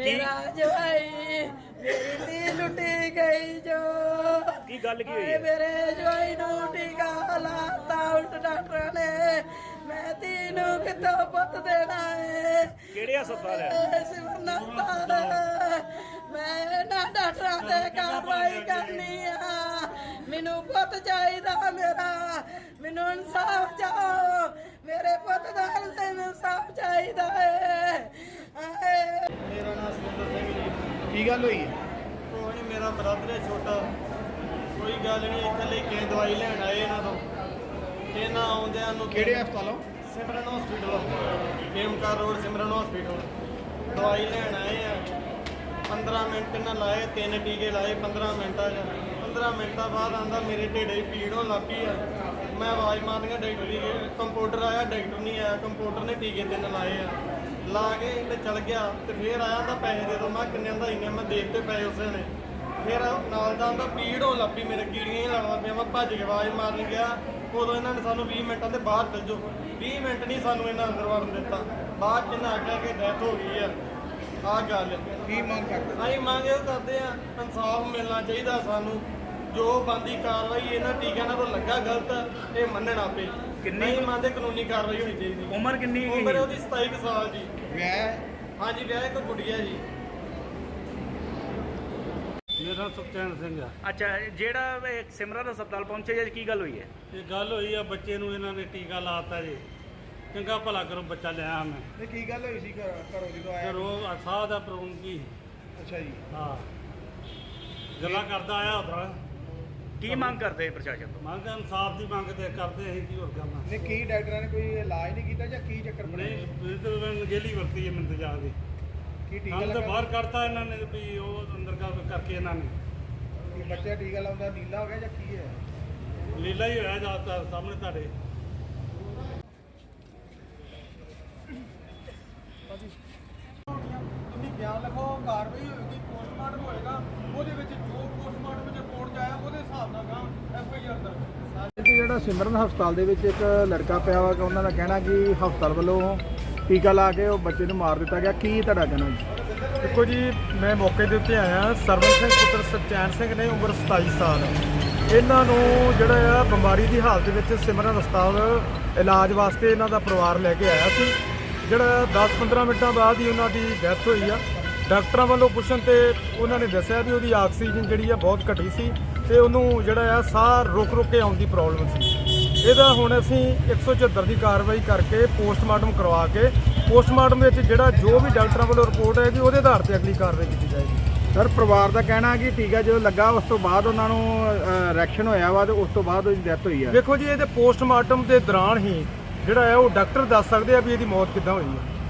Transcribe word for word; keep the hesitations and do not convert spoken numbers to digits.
मेरा जवाई मेरी धी लुटी गई जो की गल की हुई हाय है? मेरे जवाई नू टीका लाता उल्ट डॉक्टर ने मैं तीनों कितो पुत देना है ਕਿਹੜੇ ਹਸਪਤਾਲ ਹੈ? सिमरन हस्पताल मैं ना डॉक्टर से कार्रवाई करनी है मैनू पुत चाहिदा मेरा मैनू इंसाफ चाहो मेरे पुत दा इंसाफ चाहिदा है ਮੇਰਾ ਨਾਮ ਸੁਰਿੰਦਰ ਸਿੰਘ ਜੀ। ਕੀ ਗੱਲ ਹੋਈ ਹੈ? ਉਹ ਨਹੀਂ ਮੇਰਾ ਬ੍ਰਦਰ ਹੈ ਛੋਟਾ, ਕੋਈ ਗੱਲ ਨਹੀਂ, ਇੱਥੇ ਲੈ ਕੇ ਦਵਾਈ ਲੈਣ ਆਏ ਇਹਨਾਂ ਤੋਂ। ਇਹਨਾਂ ਆਉਂਦਿਆਂ ਨੂੰ ਕਿਹੜੇ ਹਸਪਤਾਲੋਂ? Simran hospital, Khemkaran road Simran hospital ਦਵਾਈ ਲੈਣ ਆਏ ਆ। ਪੰਦਰਾਂ ਮਿੰਟ ਇਹਨਾਂ ਲਾਏ, ਤਿੰਨ ਟੀਕੇ ਲਾਏ ਪੰਦਰਾਂ ਮਿੰਟਾਂ 'ਚ। ਪੰਦਰਾਂ ਮਿੰਟਾਂ ਬਾਅਦ ਆਂਦਾ ਮੇਰੇ ਢਿੱਡੇ 'ਚ ਪੀੜ ਹੋਣ ਲੱਗ ਪਈ ਆ। ਮੈਂ ਆਵਾਜ਼ ਮਾਰਨੀਆਂ ਡਾਕਟਰ ਦੀ, ਕੰਪਿਊਟਰ ਆਇਆ, ਡਾਕਟਰ ਨਹੀਂ ਆਇਆ, ਕੰਪਿਊਟਰ ਨੇ ਟੀਕੇ ਤਿੰਨ ਲਾਏ ਆ। ਲਾ ਕੇ ਤੇ ਚਲ ਗਿਆ ਤੇ ਫੇਰ ਆਇਆ ਤਾਂ ਪੈਸੇ ਦੇ ਦੋ। ਮੈਂ ਕਿੰਨੇ ਦਾ ਇੰਨੇ ਮੈਂ ਦੇ ਦਿੱਤੇ ਪੈਸੇ ਉਸੇ ਨੇ। ਫਿਰ ਨਾਲ ਦਾ ਆਂਦਾ ਪੀੜ ਹੋਣ ਲੱਗ ਪਈ, ਮੇਰੇ ਕੀੜੀਆਂ ਹੀ ਲੱਗਦਾ ਪਿਆ। ਮੈਂ ਭੱਜ ਕੇ ਆਵਾਜ਼ ਮਾਰਨ ਗਿਆ, ਉਦੋਂ ਇਹਨਾਂ ਨੇ ਸਾਨੂੰ ਵੀਹ ਮਿੰਟਾਂ ਦੇ ਬਾਹਰ ਚੱਲ ਜਾਓ। ਵੀਹ ਮਿੰਟ ਨਹੀਂ ਸਾਨੂੰ ਇਹਨਾਂ ਅੰਦਰ ਵੜਨ ਦਿੱਤਾ। ਬਾਅਦ ਚ ਇਹਨਾਂ ਆਖਿਆ ਕਿ ਡੈਥ ਹੋ ਗਈ ਆ। ਆਹ ਗੱਲ ਕੀ ਮੰਗ ਕਰਦੇ? ਅਸੀਂ ਮੰਗ ਇਹ ਕਰਦੇ ਆ, ਇਨਸਾਫ ਮਿਲਣਾ ਚਾਹੀਦਾ ਸਾਨੂੰ। ਜੋ ਬੰਦੀ ਕਾਰਵਾਈ ਇਹਨਾਂ ਟੀਕਿਆਂ ਨਾਲ ਤੋਂ ਲੱਗਾ ਗਲਤ, ਇਹ ਮੰਨਣਾ ਪਏ। ਕਿੰਨੀ- ਨਹੀਂ ਮੰਨਦੇ, ਕਾਨੂੰਨੀ ਕਾਰਵਾਈ ਹੋਣੀ ਚਾਹੀਦੀ। ਉਮਰ ਕਿੰਨੀ ਹੈਗੀ? ਉਮਰ ਉਹਦੀ ਸਤਾਈ ਕੁ ਸਾਲ ਜੀ। ਵਿਆਹ? ਹਾਂਜੀ, ਵਿਆਹ ਇੱਕ ਗੁੱਡੀਆ ਜੀ। ਮੇਰਾ ਸੁਖਚੈਨ ਸਿੰਘ ਆ। ਅੱਛਾ, ਜਿਹੜਾ ਇਹ ਸਿਮਰਨ ਹਸਪਤਾਲ ਪਹੁੰਚੇ ਜੀ, ਕੀ ਗੱਲ ਹੋਈ ਹੈ? ਇਹ ਗੱਲ ਹੋਈ ਆ, ਬੱਚੇ ਨੂੰ ਇਹਨਾਂ ਨੇ ਟੀਕਾ ਲਾਤਾ ਜੀ। ਚੰਗਾ ਭਲਾ ਕਰੋ, ਬੱਚਾ ਲਿਆ ਮੈਂ ਤੇ ਕੀ ਗੱਲ ਹੋਈ ਸੀ ਘਰ ਘਰੋਂ ਜਦੋਂ ਆਇਆ? ਘਰੋਂ ਸਾਹ ਦਾ ਪ੍ਰੋਬਲਮ ਕੀ ਅੱਛਾ ਜੀ। ਹਾਂ, ਗੱਲਾਂ ਕਰਦਾ ਆਇਆ ਉਧਰ। ਕੀ ਮੰਗ ਕਰਦੇ ਪ੍ਰਸ਼ਾਸਨ ਤੋਂ? ਮੰਗ ਇਨਸਾਫ ਦੀ ਮੰਗ ਤੇ ਕਰਦੇ, ਅਸੀਂ ਕੀ ਹੋਰ ਕਰਨਾ। ਨੇ ਕੀ ਡਾਕਟਰਾਂ ਨੇ ਕੋਈ ਇਲਾਜ ਨਹੀਂ ਕੀਤਾ ਜਾਂ ਕੀ ਚੱਕਰ ਬਣਿਆ? ਨਹੀਂ, ਇਹ ਤਾਂ ਮੈਂ ਗੇਲੀ ਵਰਤੀ ਹੈ ਮੈਨੂੰ ਜਾ ਦੀ। ਕੀ ਟੀਕਾ ਕੰਮ ਤਾਂ ਲੱਗਾ? ਬਾਹਰ ਕੱਢਤਾ ਇਹਨਾਂ ਨੇ ਵੀ ਉਹ ਅੰਦਰ ਕਰ ਕਰਕੇ ਇਹਨਾਂ ਨੇ ਕੀ ਬੱਚਾ ਟੀਕਾ ਲਾਉਂਦਾ ਨੀਲਾ ਹੋ ਗਿਆ ਜਾਂ ਕੀ ਹੈ? ਲੀਲਾ ਹੀ ਹੋਇਆ ਜ਼ਿਆਦਾਤਰ ਸਾਹਮਣੇ ਤੁਹਾਡੇ। ਤੁਸੀਂ ਬਿਆਨ ਲਿਖੋ, ਕਾਰਵਾਈ ਹੋਏਗੀ, ਪੋਸਟਮਾਰਟਮ ਹੋਏਗਾ, ਉਹਦੇ ਵਿੱਚ ਜੋ ਪੋਸਟਮਾਰਟਮ ਵਿੱਚ ਰਿਪੋਰਟ 'ਚ ਆਇਆ ਉਹਦੇ ਹਿਸਾਬ ਨਾਲ ਗਾ ਐਫ ਆਈ ਆਰ ਦਰਜ। ਜਿਹੜਾ ਸਿਮਰਨ ਹਸਪਤਾਲ ਦੇ ਵਿੱਚ ਇੱਕ ਲੜਕਾ ਪਿਆ ਵਾ ਕਿ ਉਹਨਾਂ ਦਾ ਕਹਿਣਾ ਕਿ ਹਸਪਤਾਲ ਵੱਲੋਂ ਟੀਕਾ ਲਾ ਕੇ ਉਹ ਬੱਚੇ ਨੂੰ ਮਾਰ ਦਿੱਤਾ ਗਿਆ, ਕੀ ਤੁਹਾਡਾ ਕਹਿਣਾ ਜੀ? ਦੇਖੋ ਜੀ, ਮੈਂ ਮੌਕੇ ਦੇ ਉੱਤੇ ਆਇਆ। ਸਰਵਨ ਸਿੰਘ ਪੁੱਤਰ ਸੁਖਚੈਨ ਸਿੰਘ ਨੇ, ਉਮਰ ਸਤਾਈ ਸਾਲ। ਇਹਨਾਂ ਨੂੰ ਜਿਹੜਾ ਆ ਬਿਮਾਰੀ ਦੀ ਹਾਲਤ ਵਿੱਚ ਸਿਮਰਨ ਹਸਪਤਾਲ ਇਲਾਜ ਵਾਸਤੇ ਇਹਨਾਂ ਦਾ ਪਰਿਵਾਰ ਲੈ ਕੇ ਆਇਆ ਸੀ। ਜਿਹੜਾ ਦਸ ਪੰਦਰਾਂ ਮਿੰਟਾਂ ਬਾਅਦ ਹੀ ਉਹਨਾਂ ਦੀ ਡੈਥ ਹੋਈ ਆ। ਡਾਕਟਰਾਂ ਵੱਲੋਂ ਪੁੱਛਣ ਤੇ ਉਹਨਾਂ ਨੇ ਦੱਸਿਆ ਵੀ ਉਹਦੀ ਆਕਸੀਜਨ ਜਿਹੜੀ ਆ ਬਹੁਤ ਘਟੀ ਸੀ ਤੇ ਉਹਨੂੰ ਜਿਹੜਾ ਆ ਸਾਹ ਰੁਕ ਰੁਕ ਕੇ ਆਉਣ ਦੀ ਪ੍ਰੋਬਲਮ ਸੀ। ਇਹਦਾ ਹੁਣ ਅਸੀਂ ਇੱਕ ਸੌ ਚੁਹੱਤਰ ਦੀ ਕਾਰਵਾਈ ਕਰਕੇ ਪੋਸਟਮਾਰਟਮ ਕਰਵਾ ਕੇ ਪੋਸਟਮਾਰਟਮ ਵਿੱਚ ਜਿਹੜਾ ਜੋ ਵੀ ਡਾਕਟਰਾਂ ਵੱਲੋਂ ਰਿਪੋਰਟ ਆਏਗੀ ਉਹਦੇ ਆਧਾਰ ਤੇ ਅਗਲੀ ਕਾਰਵਾਈ ਕੀਤੀ ਜਾਏਗੀ। ਸਰ, ਪਰਿਵਾਰ ਦਾ ਕਹਿਣਾ ਕਿ ਟੀਕਾ ਜਦੋਂ ਲੱਗਾ ਉਸ ਤੋਂ ਬਾਅਦ ਉਹਨਾਂ ਨੂੰ ਰਿਐਕਸ਼ਨ ਹੋਇਆ ਵਾ ਤੇ ਉਸ ਤੋਂ ਬਾਅਦ ਉਹਦੀ ਡੈਥ ਹੋਈ ਆ। ਦੇਖੋ ਜੀ, ਇਹਦੇ ਪੋਸਟਮਾਰਟਮ ਦੇ ਦੌਰਾਨ ਹੀ ਜਿਹੜਾ ਹੈ ਉਹ ਡਾਕਟਰ ਦੱਸ ਸਕਦੇ ਆ ਵੀ ਇਹਦੀ ਮੌਤ ਕਿੱਦਾਂ ਹੋਈ ਹੈ।